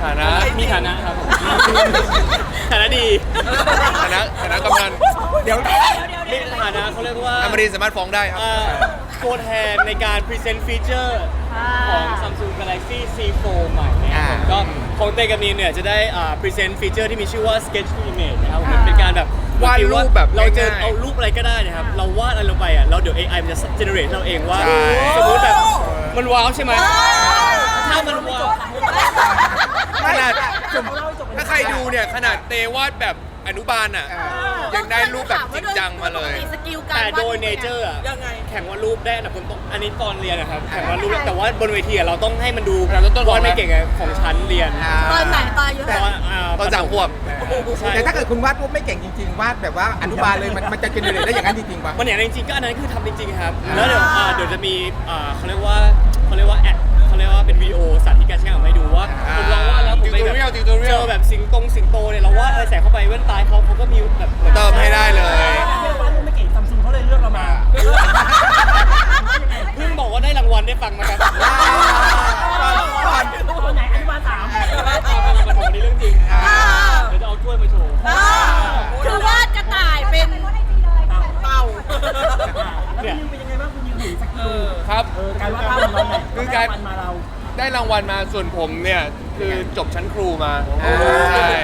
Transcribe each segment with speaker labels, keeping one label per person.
Speaker 1: ฐานะ
Speaker 2: มีฐานะครับผมฐานะดี
Speaker 1: ฐานะกำนัน
Speaker 2: เดี๋ยวมีฐานะเขาเรียกว่า
Speaker 1: อมรินทร์สามารถฟ้องได้ครับ
Speaker 2: ตัวแทนในการพรีเซนต์ฟีเจอร์ของ Samsung Galaxy C4 ใหม่นะครับผมก็ของเตกับนีนเนี่ยจะได้พรีเซนต์ฟีเจอร์ที่มีชื่อว่า Sketch to Image นะครับมันเป็นการแบบ
Speaker 1: วาดรูปแบบ
Speaker 2: เราจะเอารูปอะไรก็ได้นะครับเราวาดอะไรลงไปอ่ะเราเดี๋ยว AI มันจะ generate เราเองว่าสมมติแบบมันว้าวใช่ไหมถ้ามันว้าว
Speaker 1: ขนาดถ้าใครดูเนี่ยขนาดเตวาดแบบอนุบาลอ่ะยังได้รูปแบบจริงจังมาเลย
Speaker 2: แต่โดยเนเจอร์อ่ะแข่งวาดรูปได้อันดับต้นอันนี้ตอนเรียนนะครับแข่งวาดรูปแต่ว่าบนเวทีเราต้องให้มันดูวาดไม่เก่งของชั้นเรียน
Speaker 3: ตอนไหนตอนอายุ
Speaker 1: ตอน3 ขวบ
Speaker 4: แต่ถ้าเกิดคุณวาดรูปไม่เก่งจริงๆวาดแบบว่าอนุบาลเลยมันจะเจเนเรตได้อย่างนั้นจริงๆป่ะ
Speaker 2: มันอย่างนั้นจริงๆก็อันนั้นคือทำจริงๆครับแล้วเดี๋ยวจะมีเขาเรียกว่าแอดเขาเรียกว่าเป็นวิดีโอสาธิตการใช้งานให้ดูว่าผมลองวาดแล้วผมไปแบบเจอแบบสิงโตเนี่ยเราวาดอะไรใส่เข้าไปแว่นตาเขาก็มีแบบ
Speaker 1: เติมให้ได้เลย
Speaker 5: วาดรูปไม่เก่งซัมซุงเขาเลยเลือกเรามา
Speaker 2: เพิ่งบอกว่าได้รางวัลได้ฟังมาครับ
Speaker 5: ตอนไหนอนุบาล3
Speaker 2: มันบอกนี่เรื่องจริงเดี๋ยวจะเอาถ้วยมาโชว์
Speaker 3: คือวาดกระต่ายเป็นเต่า
Speaker 5: แล้วคุณยิงเป็นยังไงบ้างคุณยิงหนีสกิล
Speaker 1: ครับ
Speaker 5: การวาดภาพของเราเนี่ย
Speaker 1: คือการ
Speaker 5: มาเรา
Speaker 1: ได้รางวัลมาส่วนผมเนี่ยคือจบชั้นครูมาใช่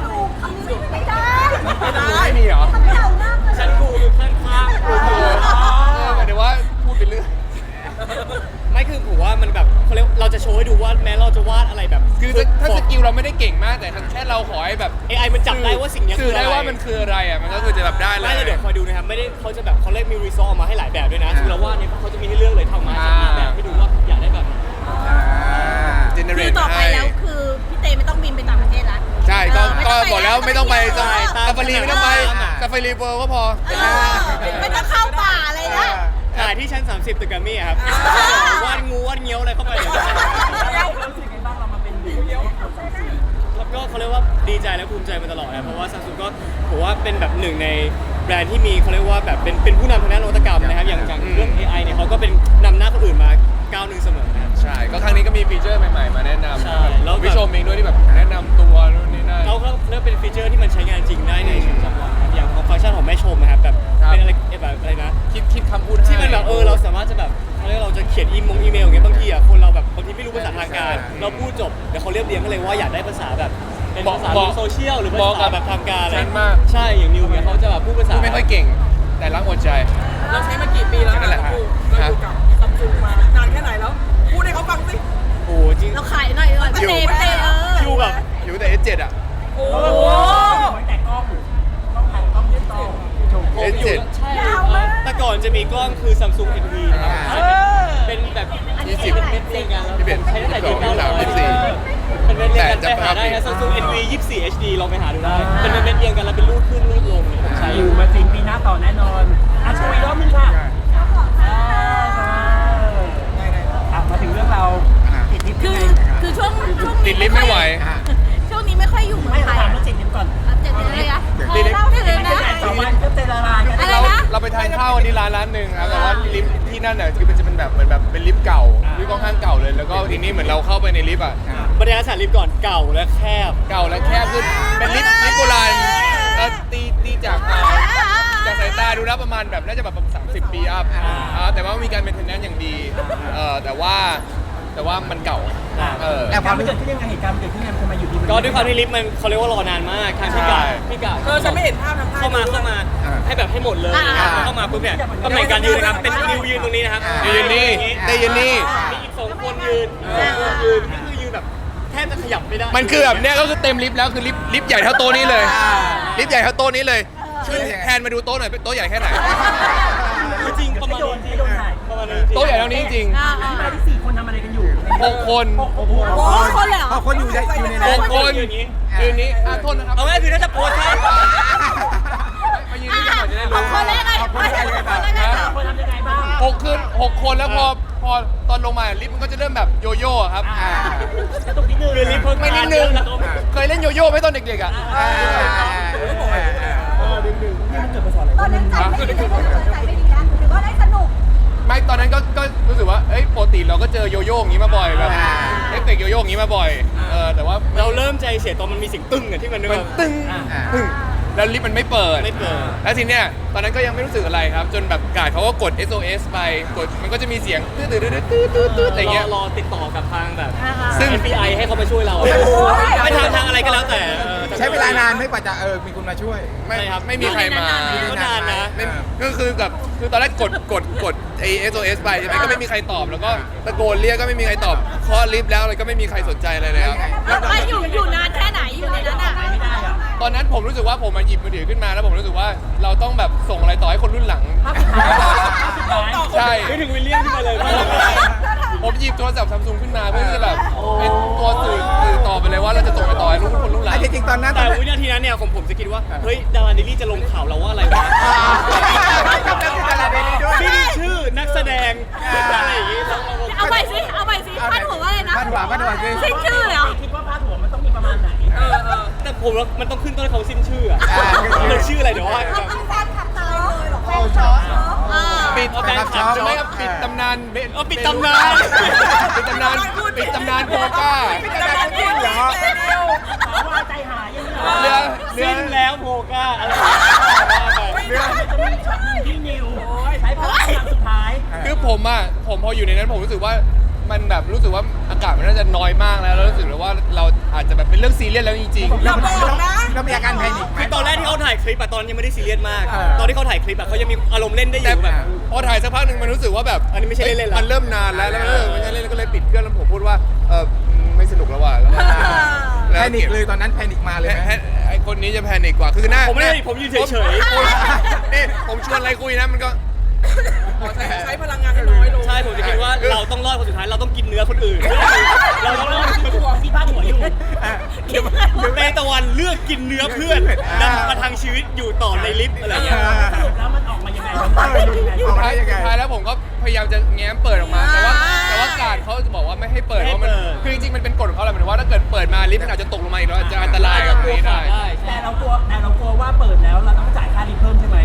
Speaker 1: ไม่มีเหรอ
Speaker 2: ชั้นครูอยู่ข้างๆครู
Speaker 1: หมายถึงว่าพูดไปเรื่อย
Speaker 2: ไม่คือผมว่ามันแบบเขาเรียกเราจะโชว์ให้ดูว่าแม้เราจะวาดอะไรแบบ
Speaker 1: คือถ้าสกิลเราไม่ได้เก่งมากแต่แค่เราขอให้แบบ
Speaker 2: AI มันจับได้ว่าสิ่งนี้
Speaker 1: คือได้ว่ามันคืออะไรอ่ะมันก็คือจะแบบได้เลย
Speaker 2: ไม่เดี๋ยวคอยดูนะครับไม่ได้เขาจะแบบเขาเรียกมีรีซอสออกมาให้หลายแบบด้วยนะคือเราวาดเนี่ยเขาจะมีให้เลือกเลยทำมาจากแบบให้ดูว่าอยากได้แบบ
Speaker 3: คือต่อไปแล้วคือพี่เตไม่ต้องบินไปต่างประเทศแล้ว
Speaker 1: ใช่ก็บอกแล้วไม่ต้องไปซาฟารีไม่ต้องไปซาฟารีเวิลด์ก็พอ
Speaker 3: ไม่ต้องเข้าป่าอะไรนะ
Speaker 2: ถ่ายที่ชั้น30ตึกแกรมมี่ครับวาดงูวาดเงี้ยวอะไรเข้าไป
Speaker 5: เรารู้สึกไงบ้างเรามาเป็น
Speaker 2: แล้วก็เขาเรียกว่าดีใจและภูมิใจมาตลอดนะเพราะว่า Samsung ก็ผมว่าเป็นแบบหนึ่งในแบรนด์ที่มีเขาเรียกว่าแบบเป็นผู้นำทางด้านนวัตกรรมนะครับอย่างเรื่อง AI เนี่ยเขาก็เป็นนำหน้าคนอื่นมาก้าวหนึ่งเสมอนะ
Speaker 1: ใช่ก็ครั้งนี้ก็มีฟีเจอร์ใหม่ๆมาแนะนำแล้ววิชมเองด้วยที่แบบแนะนำตัวนู่นนี่นั่น
Speaker 2: เขาเรียกเป็นฟีเจอร์ที่มันใช้งานจริงได้ในชีวิตประจำวันอย่างของฟังก์ชันของแม่ชมนะครับแบบเป็นอะไรแบบอะไรนะ
Speaker 1: คิดคำพูด
Speaker 2: ที่มันแบบเราสามารถจะแบบเขาเรียกเราจะเขียนอีเมลอย่างเงี้ยบางทีอ่ะคนเราแบบบางทีไม่รู้ภาษาทางการเราพูดจบเดี๋ยวเขาเรียบเรียงกันเลยว่าอยากได้ภาษาแบบเป็นภาษาโซเชียลหรือภาษาแบบทางการอะไรใช่อย่างนิวเนี่ยเขาจะแบบพูดภาษา
Speaker 1: ไม่ค่อยเก่งแต่รักหัวใจ
Speaker 6: เราใช้มากี่ปีแล้ว
Speaker 1: นั่นแหละครับ
Speaker 6: เราอยู่กับซัมซุงมานานแค่ไหนแล้วพูดให้เขาฟังสิ
Speaker 2: โอ้จริง
Speaker 3: เราขายหน่อยพี่เต้
Speaker 2: อยู่แบบ
Speaker 1: อยู่แต่ S7 อ่ะ
Speaker 5: โอ้แต่กล้องถ่ายกล้องดิจิตอล
Speaker 1: S7
Speaker 2: ใช่แต่ก่อนจะมีกล้องคือ Samsung NV นะครับเป็นแบบ20เม็ดเรียงกันแล้วใช้ตั้งแต่ปี94เป็นเม็ดเรียงกันไปหาได้นะ Samsung NV 24 HD ลองไปหาดูได้เป็นเม็ดเรียงกันแล้วเป็นรูปขึ้นรูปลงเนี่ยผมใช้
Speaker 5: อยู่มาสิปีหน้าต่อแน่นอนโชว์อีกรอบนึงค่ะมาถึงเรื่องเราติดลิฟต์
Speaker 3: คือช่วง
Speaker 1: ติดลิฟต์ไม่ไหว
Speaker 3: ช่วงนี้ไม่ค่อยอยู่เมืองไทย
Speaker 5: ถามเรื่องติดลิฟต์ก่อน
Speaker 3: ติดอะไรนะ
Speaker 1: ติดลิฟต์
Speaker 5: ก็เจรลา
Speaker 3: อะไรนะ
Speaker 1: เราไปทานข้าววันนี้ร้านนึงครับแต่ว่าลิฟต์ที่นั่นน่ะคือมันจะเป็นแบบเหมือนแบบเป็นลิฟต์เก่าลิฟต์ค่อนข้างเก่าเลยแล้วก็ทีนี้เหมือนเราเข้าไปในลิฟต์อ่ะ
Speaker 2: บรรยากาศลิฟต์ก่อนเก่าและแคบ
Speaker 1: คือเป็นลิฟต์โบราณตีจากสายตาดูแล้วประมาณแบบน่าจะแบบ30 ปีอัพแต่ว่ามีการเป็นเทนแนนอย่างดีแต่ว่ามันเก่า
Speaker 5: แต่ความเกิดขึ้นยังไงเหตุการณ์เกิดขึ้นยังไงทำไมอยู่ดี
Speaker 2: ก็ด้วยความที่ลิฟต์มันเขาเรียกว่ารอนานมากทางพี่กา
Speaker 6: ฉันไม่เห็นภาพทาง
Speaker 2: เข้ามาให้แบบให้หมดเลยเข้ามาปุ๊บเนี่ยตำแหน่งการยืนนะครับเป็นนิวยืนตรงนี้นะครับ
Speaker 1: ยืนนี่ได้ยืนนี่
Speaker 2: มีอีก2 คนยืนนี่คือยืนแบบแทบจะขยับไม่ได้
Speaker 1: มันคือแบบเนี้ยก็คือเต็มลิฟต์แล้วคือลิฟต์ใหญ่เท่าโต๊ะนี้เลยลิฟต์ใหญ่เท่าโต๊ะนี้เลยช่วยแทนมาดูโต๊ะหน่อยโต๊ะใหญ่แค่ไหน
Speaker 2: จริงประมาณนี้โต๊ะใหญ่เท่านี้จริง
Speaker 5: มาที่4 คนทำอะไรกันอยู่
Speaker 1: 6 คน
Speaker 3: 6 คนเลยเหรอ
Speaker 4: 6 คนอยู่ใน
Speaker 1: 6 คนยืนนี้โทษนะครับ
Speaker 2: เอาไว้คือถ้าจะโพสใช่
Speaker 1: มายืนนี่กันหน่อยจะได้รู้
Speaker 3: คนแรกไง
Speaker 5: คนทำยังไงบ้าง
Speaker 1: 6 คนแล้วพอตอนลงมาลิฟต์มันก็จะเริ่มแบบโยโย่ครับ
Speaker 5: กระตุกนิดนึง
Speaker 2: ลิฟต์เพิ่ง
Speaker 1: ไม่นิดนึงเคยเล่นโยโย่ไหมตอนเด็กๆอ่ะ
Speaker 3: ตอนนั้นใจไม่ดีนะหรือว่าได้สนุก
Speaker 1: ไม่ตอนนั้นก็รู้สึกว่าปกติเราก็เจอโยโย่อย่างนี้มาบ่อยแบบเอฟเฟกต์โยโย่อย่างนี้มาบ่อยแต่ว่า
Speaker 2: เราเริ่มใจเสียตอนมันมีเสียงตึ้งอะที่มัน
Speaker 1: มันตึ้งตึ้งแล้วลิฟต์มันไม่เปิด แล้วทีเนี้ยตอนนั้นก็ยังไม่รู้สึกอะไรครับ จนแบบกาดเขาก็กด SOS ไปกดมันก็จะมีเสียงตื้ออะไรเงี้ย
Speaker 2: รอติดต่อกับทางแบบ
Speaker 1: ซึ่ง
Speaker 2: FBI ให้เขามาช่วยเราไม่ทางอะไรก็แล้วแต่
Speaker 4: ใช้เวลานานไม่กว่าจะมีคนมาช่วย
Speaker 1: ไม่
Speaker 2: ใช่ครับ
Speaker 1: ไม่มีใครมา
Speaker 2: ก็นานนะ
Speaker 1: ไม่ก็คือแบบคือตอนแรกกดไอ้ SOS ไปใช่ไหมก็ไม่มีใครตอบแล้วก็ตะโกนเรียกก็ไม่มีใครตอบเคาะลิฟต์แล้วอะไรก็ไม่มีใครสนใจอะไรเลยครับ
Speaker 3: ไม่อยู่นานแค่ไหนอยู่ในนั้นอ่ะ
Speaker 5: ไม่ได้อะ
Speaker 1: ตอนนั้นผมรู้สึกว่าผมมาหยิบมือถือขึ้นมาแล้วผมรู้สึกว่าเราต้องแบบส่งอะไรต่อให้คนรุ่นหลัง
Speaker 5: ภาพสุดท้าย
Speaker 1: ใช่
Speaker 2: นึกถึงวิลเลียมขึ้นมาเลย
Speaker 1: ผมหยิบโทรศัพท์ซัมซุงขึ้นมาเพื่อที่จะแบบเป็นตัวสื่อต่อไปเลยว่าเราจะส่งไปต่อให้คนรุ่นหลัง
Speaker 4: จริงๆตอนนั้น
Speaker 2: แต่วินาทีนั้นเนี่ยผมจะคิดว่าเฮ้ยดาราเดลี่จะลงข่าวเราว่าอะไรวะชื่อนักแสดงอะไรอย่างงี้
Speaker 3: เอาไปสิพาดหัวว่าอะไรนะ
Speaker 4: พาดหัวสิ
Speaker 3: สิ้นชื่อเหรอ
Speaker 5: คิดว่าภาพหัวมันต้องมีประมาณไหน
Speaker 2: แต่ผมว่ามันต้องขึ้นต้นเขาสิ้นชื่ออะมันชื่ออะไรเดี๋ยวว่า
Speaker 3: แฟนคลับเต๋อแฟนช็อป
Speaker 1: ปิด
Speaker 2: เอาแฟนคลับ
Speaker 1: ใช่ไหมครับปิดตำนานเบน
Speaker 2: ปิดตำนาน
Speaker 1: ปิดตำนานปิดตำนานโพก้า
Speaker 4: จริงเหรอ
Speaker 5: ถามว่าใจหายยังไง
Speaker 1: เรือ
Speaker 2: สิ้นแล้วโพก้าอะไร
Speaker 5: เรื่องมันจะมีช็อตหนึงที่นิวใช้พลังครั้งสุดท้าย
Speaker 1: คือผมพออยู่ในนั้นผมรู้สึกว่ามันแบบรู้สึกว่าอากาศมันน่าจะน้อยมากแล้วรู้สึกเลยว่าเราอาจจะแบบเป็นเรื่องซีเรียสแล้วจริงๆ
Speaker 4: เรามีอาการแพนิคไหม
Speaker 2: คือตอนแรกที่เขาถ่ายคลิปอะตอนยังไม่ได้ซีเรียสมาก ตอนที่เขาถ่ายคลิปอะเขายังมีอารมณ์เล่นได้อ
Speaker 1: แต่
Speaker 2: ยู่แบบ
Speaker 1: พอถ่ายสักพักหนึ่งมันรู้สึกว่าแบบ
Speaker 2: อันนี้ไม่ใช่เล่นๆแล้ว
Speaker 1: มันเริ่มนานแล้วไม่ใช่เล่นก็เลยปิดเครื่องแล้วผมพูดว่าไม่สนุกแล้วว่ะแล้วก็
Speaker 4: แพนิคเลยตอนนั้นแพนิคมาเลยไหม
Speaker 1: ไอคนนี้จะแพนิคกว่าคือหน้า
Speaker 2: ผมไม่ได้ผมยืนเฉยๆ
Speaker 1: นี่ผมชวนอะไรคุยนะมันก็
Speaker 6: ใช้พลังงานให้น้อยลง
Speaker 2: ใช่ผมจะคิดว่าเราต้องรอดคนสุดท้ายเราต้องกินเนื้อคนอื่น เราต้องรอด
Speaker 5: ที่ภาพหัวอยู่
Speaker 2: เตตะวันเลือกกินเนื้อเพื่อนนำประทังชีวิตอยู่ต่อในลิฟต์อะไรอย่างเงี้ย
Speaker 5: สรุปแล้วมันออกมายังไงมันออกมายังไง
Speaker 4: ออกมาได้ยังไง
Speaker 1: ท้ายแล้วผมก็พยายามจะแง้มเปิดออกมา แต่ว่าการเขาจะบอกว่าไม่ให้เปิดเพราะมันคือจริงๆมันเป็นกฎของเขาแหละหมายถึงว่าถ้าเกิดเปิดมาลิฟต์มันอาจจะตกลงมาอีกแล้วอาจจะอันตรายกับนี้ได้
Speaker 5: แต่เรากลัวว่าเปิดแล้วเราต้องจ่ายค่าลิฟต์เพิ่มใช่ไหม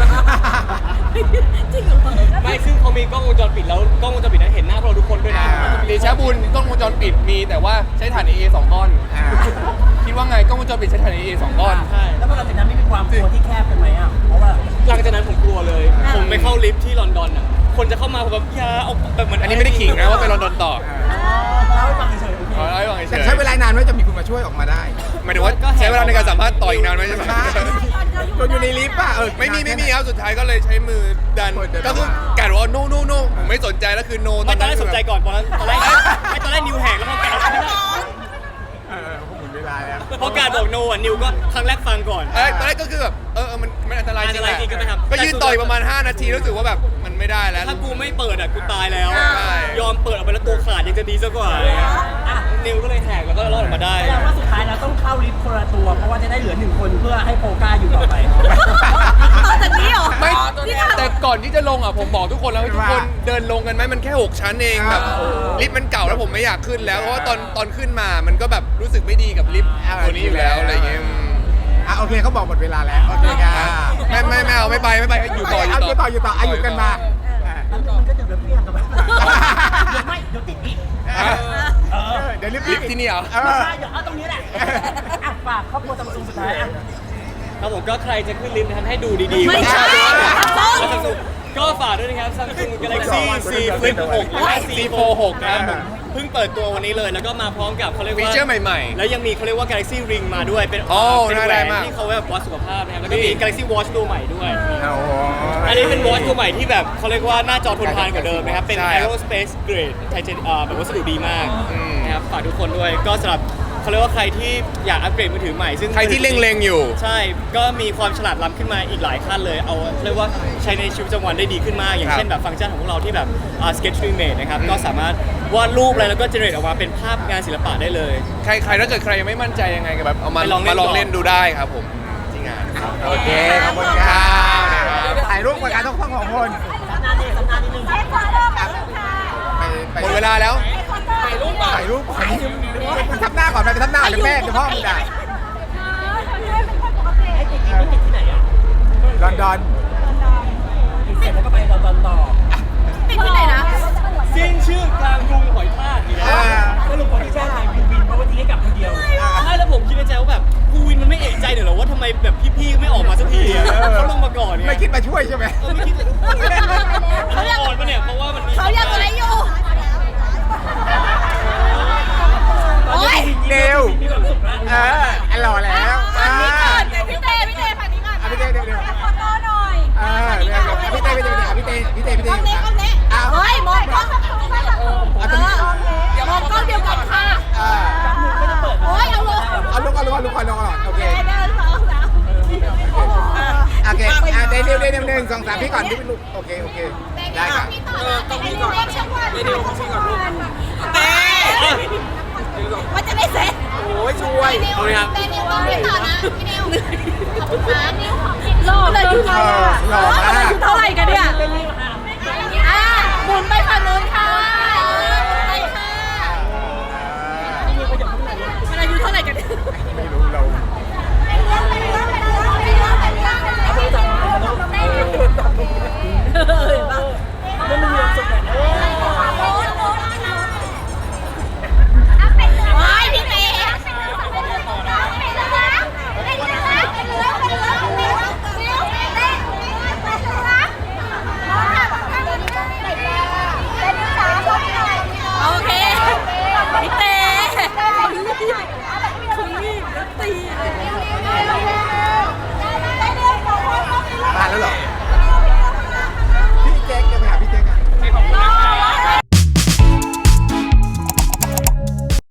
Speaker 3: จริงเหรอ
Speaker 2: ไม่ซึ่งเขามีกล้องวงจรปิดแล้วกล้องวงจรปิดนั้นเห็นหน้าพวกเราทุกคนด้วยนะ
Speaker 1: เดชะบุญกล้องวงจรปิดมีแต่ว่าใช้ฐาน AA 2 ก้อน คิดว่าไงกล้องวงจรปิดใช้ฐาน AA 2 ก้อน
Speaker 2: ใช่
Speaker 5: แล้วพอหลังจากนั้นไม่มีความกลัวที่แคบกันไหมอ่ะเพราะว่า
Speaker 2: หลังจากนั้นผมกลัวเลย ผมไปเข้าลิฟต์ที่ลอนดอนอ่ะคนจะเข้ามาผมแบบอย่าเอาแบบเหมือน
Speaker 1: อันนี้ไม่ได้ขิงนะว่าไปลอนดอนต่อ
Speaker 5: เล่าให้ฟังเฉยๆโอเค
Speaker 1: ขอเล่าให้ฟังเฉ
Speaker 4: แต่
Speaker 1: ย
Speaker 4: ใช้เวลานานไหมจะมีคนมาช่วยออกมาได้
Speaker 1: หมายถึงว่าใช้เวลาในการสัมภาษณ์ต่ออีกนานไหมใช่ไหม
Speaker 4: จนอยู่ในลิฟต์ป่ะ
Speaker 1: ไม่มีครับสุดท้ายก็เลยใช้มือดันก็คือกาดว่า no ผมไม่สนใจแล้วคือ no
Speaker 2: ไม่ตอนแรกสนใจก่อนตอนแรกนิวแหกแล้วพอการ
Speaker 4: พวกหมุนเวลาแล้ว
Speaker 2: พอการบอกโนอ่ะนิวก็ครั้งแรกฟังก่อน
Speaker 1: ตอนแรกก็คือแบบมันอันตรายจริง
Speaker 2: อันตรายจริงก็ไม่ทำ
Speaker 1: ก็ยืนต่อยประมาณ5 นาทีรู้สึกว่าแบบมันไม่ได้แล้ว
Speaker 2: ถ้ากูไม่เปิดอ่ะกูตายแล้ว
Speaker 1: ใช่
Speaker 2: ยอมเปิดออกไปแล้วตัวขาดยังจะดีซะกว่านิวก็เลยแหกแล้วก็รอดออกมาได้
Speaker 5: แสดงว่าสุดท้ายเราต้องเข้าลิฟต์คนละตัวเพราะว่าจะได้เหลือหนึ่งคนเพื่อให้โปก้าอยู่ต่อไป
Speaker 3: ต่อจากนี้เหรอ
Speaker 1: ไม่
Speaker 3: ที่ทำ
Speaker 1: แต่ก่อนที่จะลงอ่ะผมบอกทุกคนแล้วให้ทุกคนเดินลงกันไหมมันแค่ 6 ชั้นเองแบบลิฟต์มันเก่าแล้วผมไม่อยากขึ้นแล้วเพราะว่าตอนขึ้นมามันก็แบบรู้สึกไม่ดีกับลิฟต์ตัวนี้อยู่แล้วอะไรอย่างเงี้ย
Speaker 4: โอเคเขาบอกหมดเวลาแล้วโอเคครับ
Speaker 1: ไม่เอาไม่ไปอยู่ต่อ
Speaker 4: อยู่ต่ออายุกันมา
Speaker 5: แล้วมันก็เดี๋ยวพี่ทำกับมันเดี๋ยวไม่เดี๋ยวติดอีก
Speaker 4: เดี๋ยวลิฟ
Speaker 1: ลิฟต์ที่นี่เหรอ
Speaker 5: ไม่ใช่เดี๋ยวเอาตรงนี้แหละอ่ะฝากครอบครัวซัมซุงสุดท้ายอ่ะ
Speaker 2: ครับผมก็ใครจะขึ้นลิฟต์นะครับให้ดูดีๆ
Speaker 3: ไม่ใช่
Speaker 2: ก็ฝากด้วยนะครับ Samsung Galaxy Z Flip 6 และ Z Fold 6ครับผมเพิ่งเปิดตัววันนี้เลยแล้วก็มาพร้อมกับเขาเรียกว่า
Speaker 1: ฟีเจอร์ใหม่ๆ
Speaker 2: แล้วยังมีเขาเรียกว่า Galaxy Ring มาด้วยเป็น
Speaker 1: โอ้
Speaker 2: เป็นแหว
Speaker 1: ได้
Speaker 2: น
Speaker 1: มาก
Speaker 2: ที่เขาแบบวัดสุขภาพนะครับแล้วก็มี
Speaker 1: นี่
Speaker 2: Galaxy Watch ตัวใหม่ด้วย
Speaker 4: โอ้โห
Speaker 2: อันนี้เป็น Watch ตัวใหม่ที่แบบเขาเรียกว่าหน้าจอทนทานกว่าเดิมนะครับเป็น
Speaker 1: ใช่ครับ
Speaker 2: Aerospace Grade ไทเทเนียแบบวัสดุดีมากนะครับฝากทุกคนด้วยก็สำหรับเขาเรียกว่าใครที่อยากอัปเกรดมือถือใหม่ซึ่ง
Speaker 1: ใครที่เล็งๆอยู่
Speaker 2: ใช่ ก็มีความฉลาดล้ำขึ้นมาอีกหลายขั้นเลย เอาเรียกว่าใช้ในชีวิตประจำวันได้ดีขึ้นมาก อย่าง
Speaker 1: ครับ
Speaker 2: เช่นแบบฟังก์ชันของพวกเราที่แบบ Sketch Remake นะครับ ก็สามารถวาดรูปอะไรแล้วก็เจเนเรตออกมาเป็นภาพงานศิลปะได้เลย
Speaker 1: ใครถ้าเกิดใครยังไม่มั่นใจยังไงก็แบบเอามา
Speaker 2: ไปลองเล่น
Speaker 1: มาลองเล่นดูได้ครับผมที่งานครับ
Speaker 4: โอเคขอบคุณครับถ่ายรูปกับการต้องของคน
Speaker 5: สัปดาห์นิดนึง
Speaker 1: หมดเวลาแล้ว
Speaker 4: ถ่ายรูปทับหน้าก่อนไปทับหน้าหรือแม่หรือพ่อมึงได้
Speaker 5: ให้ติดอีกติดที่ไหนอ่ะ
Speaker 4: ลอนดอน
Speaker 5: ติดเสร็จแล้วก็ไปลอนดอนต่อ
Speaker 3: ติดที่ไหนนะ
Speaker 2: สิ้นชื่อกลางกรุงหอยทากอีกแล้ว
Speaker 5: สรุปคนที่แจ้งไทยบินเพราะว่าทิ้งให้กับ
Speaker 2: หน่อยเหรอว่าทำไมแบบพี่ๆไม่ออกมาสักทีอะเขาลงมาก่อนเนี่ย
Speaker 4: ไม่คิดมาช่วยใช่ไหม
Speaker 2: ไม่คิดเลย
Speaker 3: เขาอยาก
Speaker 2: อ่อนปะเนี่ยเพราะว่ามันมี
Speaker 3: เขาอยากอะไรอยู่โอ้ย
Speaker 4: เร็วหล่อแล้ว
Speaker 3: ฝั่งนี้ก่อนพี่เต้ฝั่งนี้ก่อน
Speaker 4: พี่เต้เดี๋ยว
Speaker 3: ขอโทษหน่อย
Speaker 4: พี่เต้พี่เต้พี่เต้
Speaker 3: กล้องเล็กกล้องเล็กเฮ้ยมองกล้องอย่ามองกล้องเดียวกันค่ะโอ้ยเอาลง
Speaker 4: เอาลูกโอเค
Speaker 3: เดินสองสาม
Speaker 4: โอเคเดี๋ยว1 2 3พี่ก่อนพี่ลูกโอเคได้ค่ะ
Speaker 6: ต้องพี่ก่อนเดี๋ยวพี่ก่อนลูกเต้
Speaker 3: ว่าจะได้เสร็จ
Speaker 6: โอ้ยช่วย
Speaker 3: พี่นิวต้องพี่ต่อนะพี่นิวขอบคุณค่ะนิวของหล่อเลยอยู่
Speaker 4: หล่อมาก
Speaker 3: เท่าไหร่กันเนี่ยหมุนไปฝั่งนู้นค่ะไปค่ะมันอายุเท่าไหร่กันเนี่ย
Speaker 4: ไม่รู้เรา